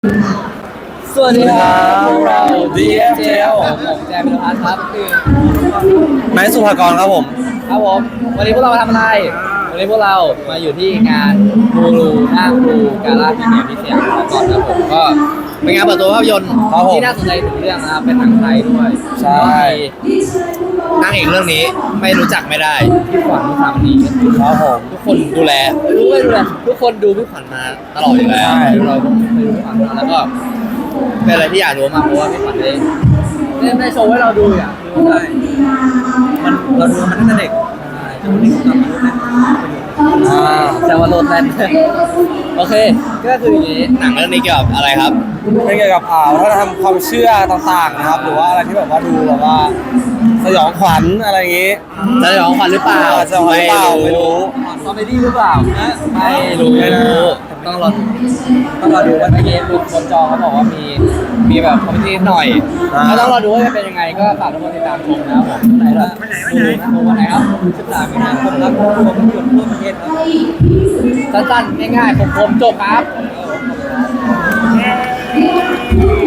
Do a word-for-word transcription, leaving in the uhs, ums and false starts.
สวัสดีครับพวกเรา ดี เอฟ เจ แอล ผมแจมิโนพัทครับคือไนท์สุภากรครับผมครับผมวันนี้พวกเรามาทำอะไร วันนี้พวกเรามาอยู่ที่งานบูรูหน้าบูกาล่าพรีเมียร์ที่สยามพารากอนครับผมก็เป็นงานเปิดตัวภาพยนตร์ที่น่าสนใจถึงเรื่องนะครับเป็นหนังไทยด้วยใช่นางเอกเรื่องนี้ไม่รู้จักไม่ได้พี่ขวัญพี่ขวัญนี้ครับผมทุกคนดูแลรู้ไม่ดูแลทุกคนดูพี่ขวัญมาตลอดอยู่แล้วใช่เราก็เคยดูพี่ขวัญมาแล้วก็เป็นอะไรที่อยากรู้มากเพราะว่าพี่ขวัญได้ได้ได้โชว์ให้เราดูอ่ะดูได้มันเราดูมันตั้งแต่เด็กแต่วันนี้ผมกลับมาดูนะอ่าแต่ว่าโหลดแลนด์ โอเค ก็คืออย่างนี้หนังเรื่องนี้เกี่ยวกับอะไรครับเป็นเกี่ยวกับอ่าวัฒนธรรมความเชื่อต่างๆนะครับ หรือว่าอะไรที่แบบว่าดูแบบว่าสยองขวัญอะไรอย่างงี้จะยองขวัญหรือเปล่าสยองขวัญหรือเปล่าไม่รู้คอมเมดี้หรือเปล่านะไม่รู้ไม่รู้ต้องรอต้องรอดูว่าเมื่อกี้ดูคนจองเขาบอกว่ามีมีแบบคอมเมดี้หน่อยก็ต้องรอดูว่าจะเป็นยังไงก็ฝากทุกคนติดตามชมนะครับผมไหนล่ะดูนะวันไหนครับสิบสามมีนาคมครับรวมหยุดทั่วประเทศครับสั้นๆง่ายๆคมๆจบครับ